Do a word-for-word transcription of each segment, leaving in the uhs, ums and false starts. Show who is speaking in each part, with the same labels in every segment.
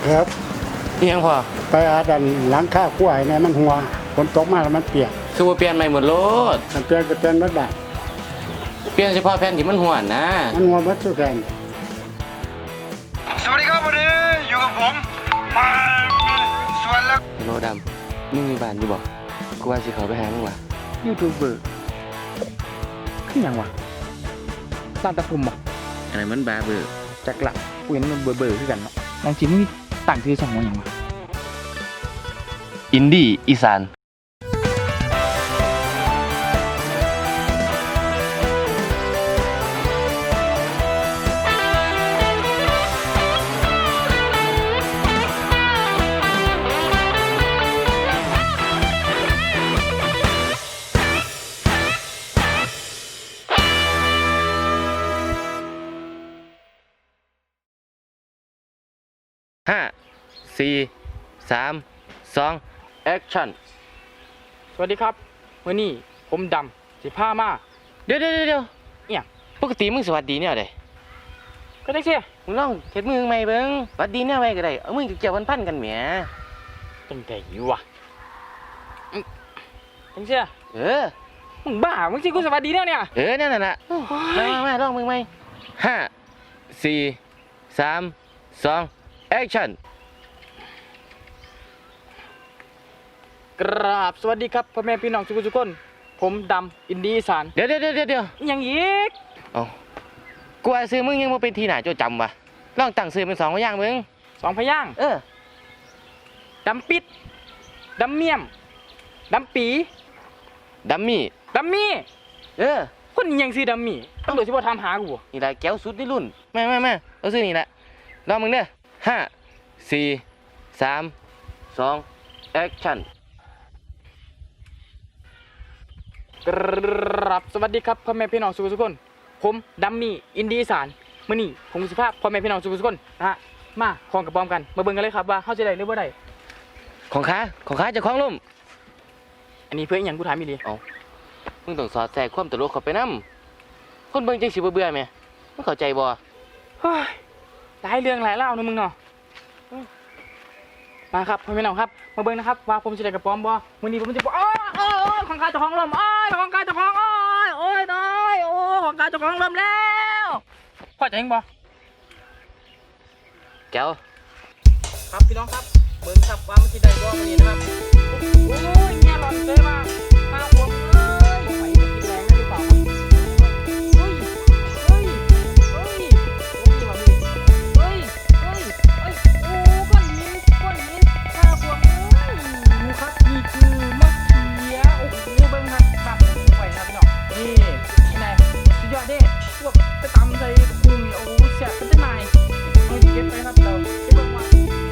Speaker 1: ครับ
Speaker 2: นี่ยังพอ
Speaker 1: ไปอาดันหลังข้าวขั้วเนี่ยมันหัวฝนตกมาแล้วมันเปียก
Speaker 2: คือว่าเปลี่ยนใหม่หมดโลด
Speaker 1: มันเปลี่ยนก็เปลี่ยนรถได้
Speaker 2: เปลี่ยนเฉพาะแผ่นที่มันหัวนะ
Speaker 1: มันหัวมัดสุดแทน
Speaker 3: สวัสดีครับวันนี้อยู่กับผมมาสวนแล้ว
Speaker 2: โลดำมึงมีบ้านอยู่บ่กูว่าสิเขาไปหามึงว่ะ
Speaker 4: ยูทูบเบอร์ขึ้นยังวะร้านตะคุมบ่
Speaker 2: อะไรมันบาเบอร์
Speaker 4: จักละกูเห็นมันเบอร์เบอร์ขึ้นกันเนาะบางทีมึงต่างชื่อสองว่าอย่างวะ
Speaker 2: อินดี้อีสานห้าสี่สามสองแอคชั่น
Speaker 4: สวัสดีครับวันนี้ผมดำสิผ้ามา
Speaker 2: เดี๋ยวเดี๋ยวเดี๋ยว
Speaker 4: เนี่ย
Speaker 2: ปกติมึงสวัสดีเนี่ยเด้
Speaker 4: ก็ได้เสีย
Speaker 2: มึงลองเฮ็ดมือใหม่เบิ่งสวัสดีเนี่ยไว้ก็ได้เอามือเกี่ยวพันๆกันแหม
Speaker 4: จังได๋วะจังเสีย
Speaker 2: เออ
Speaker 4: มึงบ้ามึงสิกูสวัสดีเนี่ยเนี่ย
Speaker 2: เออนั่นน่ะมามามาลองมือใหม่ห้าสี่สามสองแอคชั่น
Speaker 4: กราบสวัสดีครับพ่อแม่พี่น้องทุกคนผมดำอินดี้อีสาน
Speaker 2: เดี๋ยวเดี๋ยวเดี๋ยวเดี๋ยว
Speaker 4: ยังอีก
Speaker 2: เอ้ากูว่าซื้อมึงยังบ่เป็นทีหน้าโจจำวะลองตั้งซื้อเป็นสองพยางค์มึง
Speaker 4: สองพยางค์
Speaker 2: เออ
Speaker 4: ดำปิดดำเมี่ยมดำปี
Speaker 2: ดัมมี่
Speaker 4: ดัมมี่
Speaker 2: เออ
Speaker 4: คนยังซื้อดัมมี่ต้องโดยเฉพาะทำหากู
Speaker 2: นี่แหละแก้วสุดในรุ่นแม่แม่แม่เอาซื้อนี่แหละลองมึงเด้อห้าสี่สามสองแอคชั่น
Speaker 4: กราบสวัสดีครับพ่อแม่พี่น้องทุกคนผมดัมมี่อินดี้อีสานมื้อนี้ผมสิพาพ่อแม่พี่น้องทุกคนนะฮะมาคล้องกับพร้อมกันมาเบิ่งกันเลยครับว่าเฮาจะได้หรือบ่ได้
Speaker 2: ของข้าของข้าจะคล้องลุ่ม
Speaker 4: อันนี้เพื่ออีหยังกูถามอีหลี
Speaker 2: เอ้ามึงต้องสอดแทรกความตลกเข้าไปนำคนเบิ่งจังสิบ่เบื่อแม่มึงเข้าใจบ่
Speaker 4: เฮ้ยหลายเรื่องหลายเล่านะมึงเนาะมาครับพ่อแม่พี่น้องครับมาเบิ่งนะครับว่าผมจะได้กับพร้อมบ่มื้อนี้ผมจะอ้อยอ้อยของข้าเจ้าของลมอ้อยของข้าเจ้าของอ้อยโอ้ยน้อยโอ้ของข้าเจ้าของลมแล้วพอใจยังบ่
Speaker 2: แก้ว
Speaker 4: ครับพี่น้องครับเบิ่งครับว่ามันสิได้บ่มื้อนี้นะครับโอ้ยแง่หลอนเลยมาข้าวผมเอ้ยไปกินแรงได้หรือเปล่าครับเฮ้ยเฮ้ยเฮ้ยโอ้ยว่าพี่เฮ้ยเฮ้ยเฮ้ยโอ้ก้อนหินก้อนหินข้าวผมเอ้ยดูครับนี่คือมะเขือโอ้โหเบิ่งครับครับไปครับพี่น้องนี่นี่แหละสุดยอดเด้พวกไปตำใส่กุ้งโอ้โหแซ่บเป็นจังไงเอาเก็บไปครับเราไปเบิ่งว่า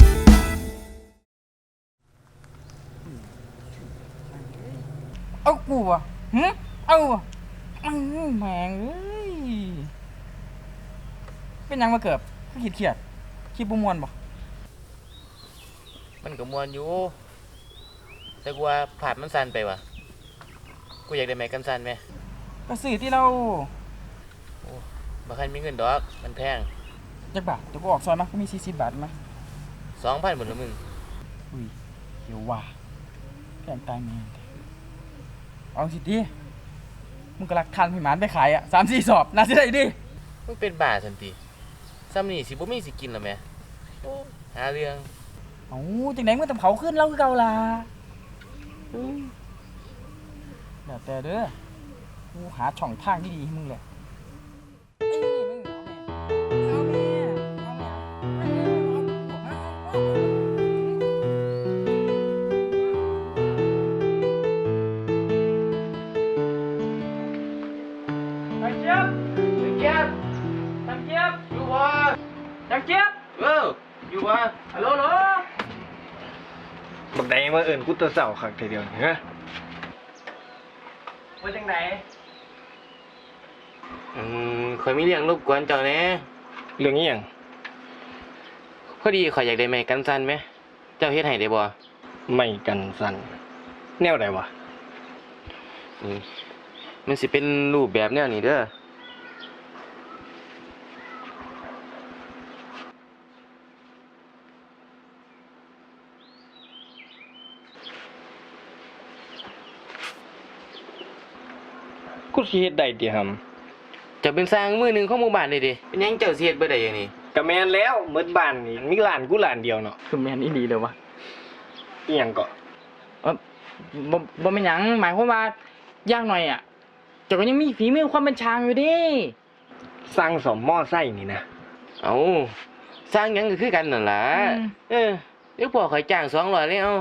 Speaker 4: เอากูอ่ะหืมเอาอ่ะแม่งเอ้ยเป็นยังมาเกิดก็ขีดเขียดขี้บุมวนบ่
Speaker 2: มันก็มวนอยู่แต่กูว่าผาดมันสั่นไปว่ะกูอยากได้ไม้กันสั่นไหม
Speaker 4: ก็สื่อที่เรา
Speaker 2: โอ้บ่คันมีเงินดอกมันแพง
Speaker 4: จักบาทเดี๋ยวกูออกซอยมาก็มีสี่สิบบาทมั้ย
Speaker 2: สองพัน หมดแล้วมึง
Speaker 4: อุ้ยเดี๋ยวว่าแพงตายแม่เอาสิดิมึงก็รักทันพี่หมานไปขายอ่ะ สามสี่ สอบน่าสิได้ดิ
Speaker 2: มึงเป็นบ้าทันทีซ้ำนี่สิบ่มีสิกินแล้วแม่โอ้หาเรื่อง
Speaker 4: เอ้าจังได๋มึงต้องเผาขึ้นเล่าคือเก่าล่ะอือแล้วแต่เด้อกูหาช่องทางดีๆให้มึงแหละจังเจี๊ยบ
Speaker 2: เอออยู่วะ
Speaker 4: ฮัลโหลฮัลโหล
Speaker 3: บักแดงมาเอิญกูตัวเสาขังทีเดียวเหรอ
Speaker 4: ว่าจังไหน
Speaker 2: อืมข่อยมีเรื่องรบกวนเจ้าแน่
Speaker 3: เรื่องนี้ยัง
Speaker 2: พอดีข่อยอยากได้ไม้กันสั่นไหมเจ้าเฮ็ดให้ได้บ่
Speaker 3: ไม่กันสั่นแนวใดวะ
Speaker 2: นี่มันสิเป็นรูปแบบแนวนี้เด้อ
Speaker 3: อ
Speaker 5: กูสิเฮ็ดได้ติหำ
Speaker 2: จะเป็นสร้างมือหนึ่งของหมู่บ้านเลยดิเป็นหยังเจ้าสิเฮ็ดบ่ได้อย่างนี้
Speaker 5: ก็แม่นแล้วหมดบ้านนี่มีร้านกูร้านเดียวเนาะ
Speaker 4: คือแม่นอีหลีเลยวะ
Speaker 5: อีหยังก็
Speaker 4: เออบ่บ่เป็นหยังหมายความว่าอย่างหน่อยอ่ะเจ้าก็ยังมีฝีมือความเป็นช่างอยู่เดิ
Speaker 5: สร้างสมมอไซค์นี่นะ
Speaker 2: เอาสร้างหยังก็คือกันนั่นล่ะเออเดี๋ยวพ่อข่อยจ้างสองร้อยเลยเอา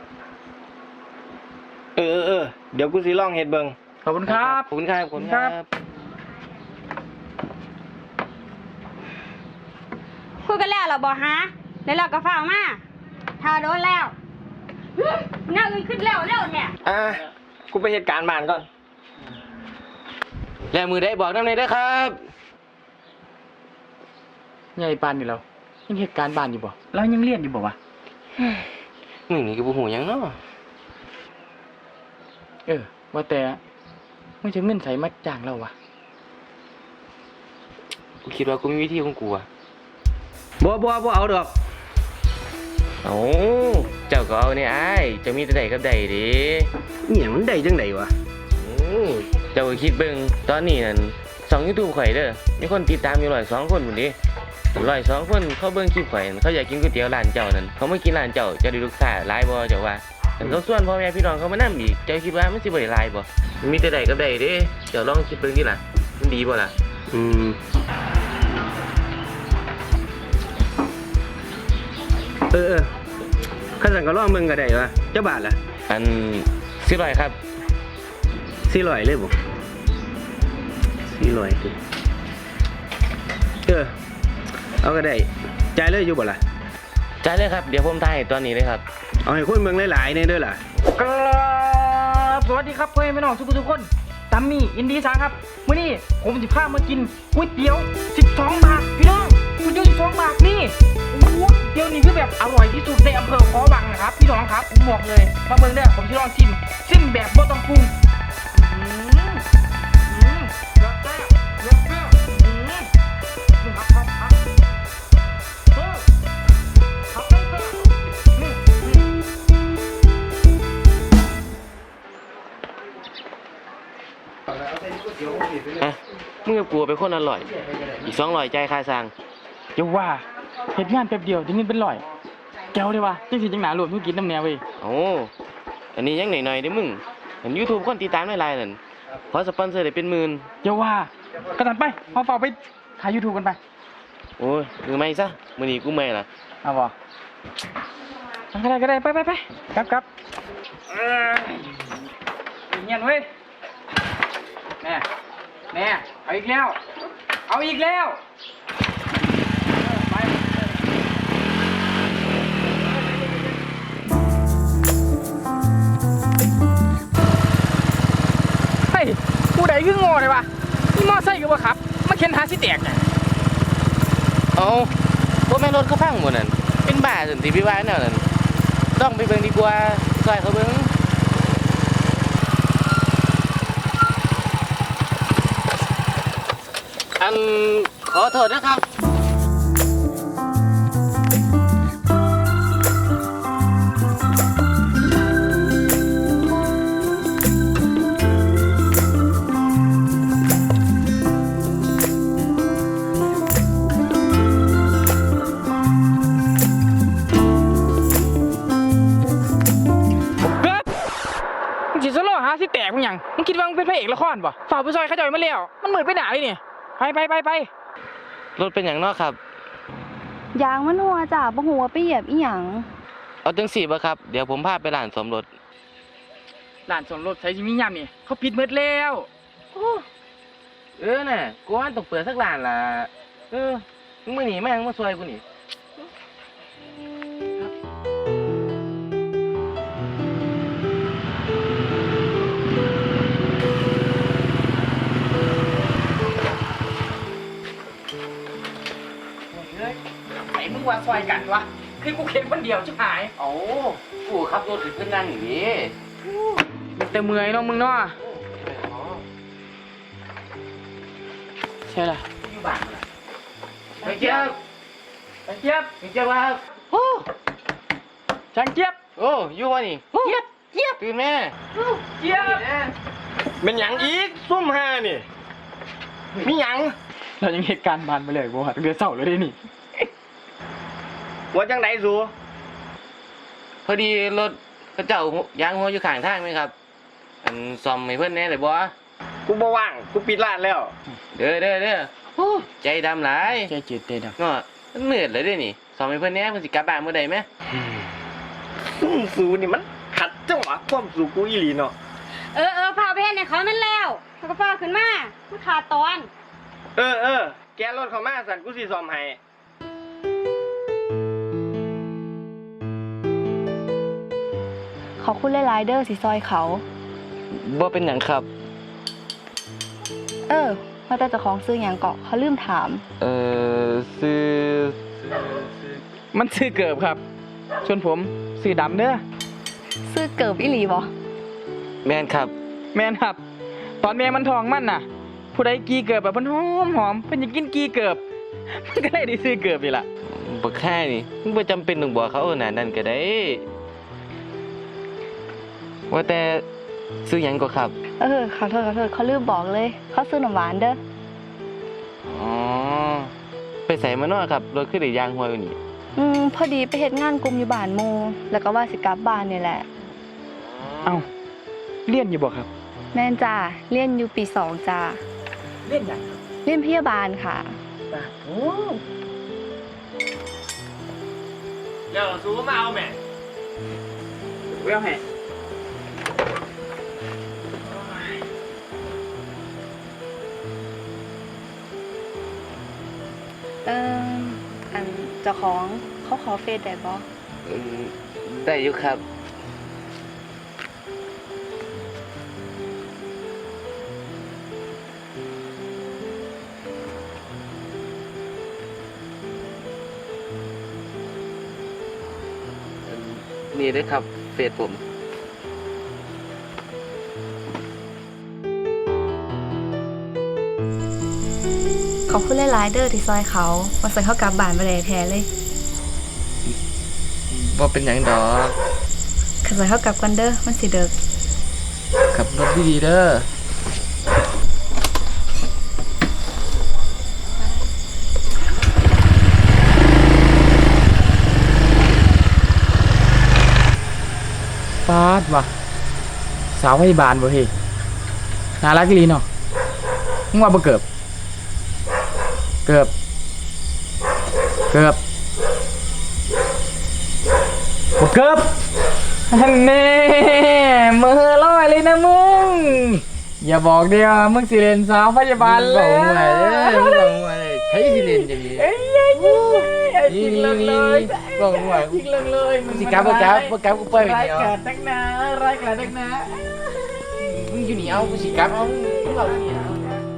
Speaker 5: เออเออเออเดี๋ยวกูสิลองเฮ็ดเบิ่ง
Speaker 4: ขอบคุณครับ
Speaker 2: ขอบคุณครับขอบคุณครับ
Speaker 6: คุยกันแล้วเหรอบอกฮะแล้วเราก็ฟ้าวมาถ้าโดนแล้วหึหน้าอื่นขึ้นแล้วเร็วเนี่ย
Speaker 5: อ่ะกูไปเหตุการณ์บ้านก่อน
Speaker 2: แล้วมือได้บอกนำได้เด้อครับ
Speaker 4: ใหญ่ปานนี่เรายังเหตุการณ์บ้านอยู่บ่เรายังเรียนอยู่บ่วะ
Speaker 2: มึงนี่ก็บ่ฮู้หยังเนาะ
Speaker 4: เออว่าแต่มึงจะเงินใส่มาจ้างเราวะ
Speaker 2: กูคิดว่ากูมีวิธีของกูอะ
Speaker 5: บ่บ่บ่เอาดอก
Speaker 2: เอ้าเจ้าก็เอาเนี่ยอ้ายเจ้ามีแต่ใดกับใดเด้
Speaker 5: อีหยังมันได้จังไดวะ
Speaker 2: อือเจ้าก็คิดเบิ่งตอนนี้นั่นช่อง YouTube ข่อยเด้อมีคนติดตามอยู่ร้อยสองคนพุ่นดิร้อยสองคนเขาเบิ่งคลิปข่อยนั่นเขาอยากกินก๋วยเตี๋ยวร้านเจ้านั่นเขามากินร้านเจ้าเจ้าได้ลูกค้าหลายบ่เจ้าว่าคันเขาส่วนพ่อแม่พี่น้องเขามานํอีกเจ้าคิดว่ามันสิบ่ได้หลายบ่มันมีแต่ใดกับใดเด้เจ้าลองคิดเบิ่งดิล่ะมันดีบ่ล่ะ
Speaker 5: อืมเออเออคันสั่นก็ลองเบิ่งก็ได้วะเจ้าบาทล่ะ
Speaker 2: อันสิบร้อยครับ
Speaker 5: สี่ร้อยเลยบ่สี่ร้อยติเออเอาก็ได้จ่ายเลยอยู่บ่ล่ะ
Speaker 2: จ่ายเลยครับเดี๋ยวผมถ่ายให้ตอนนี้เลยครับ
Speaker 5: เอาให้คนเบิ่งหลายๆแน่เด้อล่ะ
Speaker 4: ครับสวัสดีครับเพื่อนพี่น้องทุกทุกคนตัมมี่อินดี้ซังครับมื้อนี้ผมสิพามากินก๋วยเตี๋ยวสิบสองบาทพี่น้องก๋วยเตี๋ยวสิบสองบาทนี่โอ้โหเตี๋ยวนี้คือแบบอร่อยที่สุดในอำเภอขอวังนะครับพี่น้องครับผมบอกเลยมาเบิ่งเด้อผมจะลองชิมชิมแบบบ่ต้องปรุงอืมอืมเลิศแซ่บเลิศแซ่บอืมครับครับครับเออครับเลิศแซ่บอืมอืม
Speaker 2: อ่ะมึงกับกูเป็นคนอร่อย อีกสองร้อยใจายค่าสร้าง
Speaker 4: เดี๋ยวว่าเหตุงานแป๊บเดียวได้เงินเป็นร้อยแก้วได้ว่าจังสิจังหนารวมธุรกิจน้ำแนวเว้ย
Speaker 2: โอ้อันนี้ยังหน่อยๆเด้อมึงเห็น YouTube คนติดตามหลายๆนั่นขอสปอนเซอร์ได้เป็นหมื่น
Speaker 4: เดี๋ยวว่ากระตันไปเอาเฝ้าไปถ่ายยูทูบกันไป
Speaker 2: โอ้ยมือไม่ซะมื้อนี้กูไม่ล่ะ
Speaker 4: เอาบ่ก็ได้ก็ได้ไปไปไปกลับกลับเออเงียบเว้ยแม่แม่เอาอีกแล้วเอาอีกแล้วไปเฮ้ยผู้ใดคืองอเลยวะนี่มอไซค์ก็บ่ขับมาเข็นหาสิแตกน่ะ
Speaker 2: เอ้าบ่แม่นรถเขาพังหมดนั่นเป็นบ้าซั่นสิพี่ว่าแนวนั้นต้องไปเบิ่งดีกว่าซอยเขาเบิ่งอันขอโทษนะครับ
Speaker 4: เกิดมึงสิสโลหาสิแตกมึงหยังมึงคิดว่ามึงเป็นพระเอกละครป่ะฝ่าผู้ซอยเขาจ่อยมาแล้วมันเหมือนไปหนาเลยเนี่ยไปไปไปไป
Speaker 2: รถเป็นหยังเนาะครับ
Speaker 6: ยางมันหัวจ้ะบ่หัวไปเหยียบอีหยัง
Speaker 2: เอาจังสี่บ่ครับ เดี๋ยวผมพาไปร้านสมรส
Speaker 4: ร้านสวนรถใช้ชิมิยามนี่เขาปิดหมดแล้ว
Speaker 2: เออน่ะกูว่าต้องเปิดสักร้านล่ะ เออมึงมาหนีแม่งมาซวยกูนี่
Speaker 4: ไอ้มึงว่าซอยกันวะคือกูเข็นคนเดียวชิบหาย
Speaker 2: เอ้ากูขับรถถึงเพื่อนนั่งอย่างนี้
Speaker 4: แต่เมื่อยเนาะมึงเนาะใช่ล่ะ
Speaker 2: อยู่บ้านล่ะไปเจี๊ยบ
Speaker 4: จังเจี๊ยบ
Speaker 2: ไปเจี๊ยบว่าโอ้
Speaker 4: จังเจี๊ยบ
Speaker 2: โอ้อยู่วะนี่
Speaker 4: เจี๊ยบเจี๊ยบ
Speaker 2: ตื่นแม่
Speaker 4: เจี๊ยบ
Speaker 2: แม่
Speaker 3: เป็นหยังอีกซุ่มห้านี่มีหยัง
Speaker 4: เรายังเหตุการณ์บานไปเลยบ่ตั้งแต่เช้าเลยนี่
Speaker 3: ว่าจังไดสู
Speaker 2: พอดีรถกระเจ้ายางหัวอยู่ข้างทางไหมครับอันซ่อมให้เพิ่นแหน่ได้บ่
Speaker 3: กูบ่ว่างกูปิดร้านแล้ว
Speaker 2: เด้อเด้อเด้อโอ้ใจดำหลาย
Speaker 4: ใจจืดเต้น
Speaker 2: เนาะมันมืดเลยเด้นี่ซ่อมให้เพิ่นแหน่เพิ่นสิกลับบ้านมื้อใดแหม
Speaker 3: ซุ่มสูนี่มันขัดจังหวะความสูกูอีหลีเนาะ
Speaker 6: เออเออพาไปเฮ็ดให้เขานั่นแล้วเขาก็ฟ้าขึ้นมามันขาดตอน
Speaker 3: เออเออแกรถเข้ามาสั่นกูสิซ่อมให้
Speaker 7: ขอบคุณหลายๆเด้อสิซอยเขา
Speaker 2: บ่เป็นหยังครับ
Speaker 7: เออว่าแต่เจ้าของซื้อหยังเกาะเขาลืมถาม
Speaker 2: เอ่อซื้อ
Speaker 4: มันซื้อเกิบครับส่วนผมซื้อดำเด้อ
Speaker 7: ซื้อเกิบอีหลีบ่
Speaker 2: แม่นครับ
Speaker 4: แม่นครับ ตอนแม่มันทองมันน่ะ ผู้ใดกีเกิบแบบเพิ่นหอมหอมเพิ่นอยากกินกีเกิบ มันก็เลยได้ซื้อเกิบนี่ล่ะ
Speaker 2: บ่แค่นี่มึงบ่จำเป็นต้องบอกเขาขนาดนั้นก็ได้ ว่าแต่ซื้อหยังก็ครับ
Speaker 7: เออขอโทษขอโทษเขาลืมบอกเลย เขาซื้อน้ำหวานเด้อ
Speaker 2: อ๋อ ไปใส่มาเนาะครับ รถคือได้ยางหัวอยู่นี่
Speaker 7: อืมพอดีไปเฮ็ดงานกลุ่มอยู่บ้านหมู่แล้วก็ว่าสิกลับบ้านนี่แหละ
Speaker 4: เอ้าเรียนอยู่บ่ครับ
Speaker 7: แม่นจ้าเรียนอยู่ปีสองจ้า
Speaker 4: เรียนหยัง
Speaker 7: เรียนพยาบาลค่ะ
Speaker 4: จ้าโอ้
Speaker 3: เดี๋ยวสูมาเอาแม่
Speaker 4: เวลแห่
Speaker 7: เอออันเจ้าของเขาขอเฟซได้บ่
Speaker 2: อืมได้อยู่ครับ นี่ด้วยครับ เฟซผม
Speaker 7: ขอบคุณหลายๆเด้อที่ซอยเขาว่าสิเขากลับบ้านบ่ได้แท้เลย
Speaker 2: บ่เป็นหยังดอก
Speaker 7: คันสิเขากลับกันเด้อมันสิเดึก
Speaker 2: ขับรถดีๆเด้อ
Speaker 4: ปาดว่ะสาวพยาบาลบ่เฮ้ยน่ารักอีหลีเนาะมึงว่าบ่เกิบ เกิบ เกิบบ่เกิบฮันเน่มือลอยเลยนะมึง อย่าบอกเดียวมึงสิเล่นสาวพยาบาลเลย
Speaker 2: มึงบอกว่าเลยมึงบอกว่าเลยใช้สิเล่นอย่างนี้
Speaker 4: เอ้ยเอ้ยเอ้ยเอ้ยจริงเลยเลย
Speaker 2: บอกว่า
Speaker 4: จริงเลยเลยมึง
Speaker 2: สิกลับบ่กลับบ่กลับกูปล่อยไป
Speaker 4: ราย
Speaker 2: เดียว
Speaker 4: การนักหนาร้ายกาจนักหนา
Speaker 2: มึงอยู่นี่เอากูสิกลับเอามึงเอาอยู่นี่เอา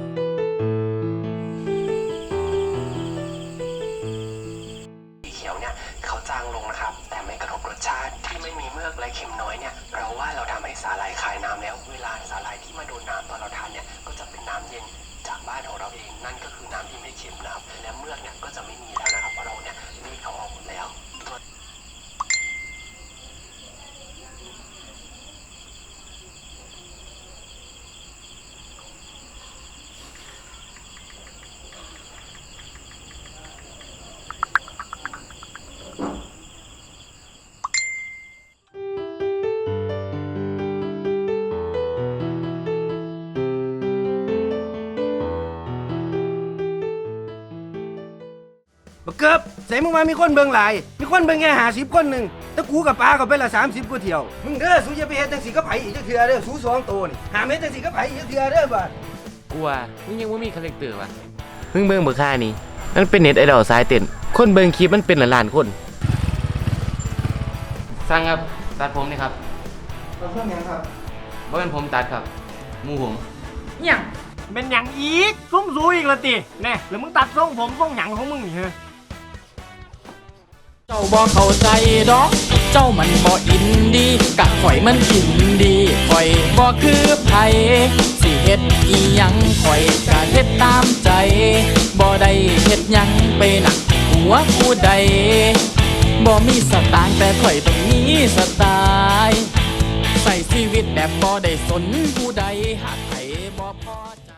Speaker 8: สีเขียวเนี่ยเขาจางลงนะครับ แต่ไม่กระทบรสชาติที่ไม่มีเมือกและเค็มน้อยเนี่ยเราว่าเราทำให้สาหร่ายคายน้ำแล้ว เวลาสาหร่ายที่มาโดนน้ำตอนเราทานเนี่ยก็จะเป็นน้ำเย็นจากบ้านของเราเองนั่นก็คือน้ำที่ไม่เค็มนะครับและเมือกเนี่ยก็จะไม่มีแล้วนะครับเพราะเราเนี่ยรีดเขาออกหมดแล้ว
Speaker 3: บักเกิบใส่มึงมามีคนเบิ่งหลาย มีคนเบิ่งแค่หาสิบคนหนึ่งแต่กูกับปลาก็ไปละสามสิบกว่าเที่ยว มึงเด้อสูอย่าไปเฮ็ดจังสีก็ไผอีกจักเทื่อเด้อสูสองโตนี่หาเม็ดจังสีก็ไผอีกจักเทื่อเด้อบาด
Speaker 2: กูว่ามึงยังบ่มีคาแรคเตอร์ว่ะมึงเบิ่งเบ่ค่านี่มันเป็นเน็ตไอดอลสายเต้นคนเบิ่งคลิปมันเป็นล้านๆคนสั่งครับตัดผมนี่ครับ
Speaker 3: เราเพิ่มยังครับ
Speaker 2: บ่เป็นผมตัดครับหมู่ผม
Speaker 4: หยัง
Speaker 3: เป็นหยังอีกซุ้มสูอีกละติแน่แล้วมึงตัดทรงผมทรงหยังของมึงนี่เฮ้
Speaker 9: เจ้าบ่เข้าใจดอก เจ้ามันบ่อินดีกะข่อยมันอินดีข่อยบ่คือไผสิเฮ็ดอีหยังข่อยกะเฮ็ดตามใจบ่ได้เฮ็ดหยังไปหนักหัวผู้ใดบ่มีสตางค์แต่ข่อยต้องมีสไตล์ใส่ชีวิตแบบบ่ได้สนผู้ใดหากใครบ่พอใจ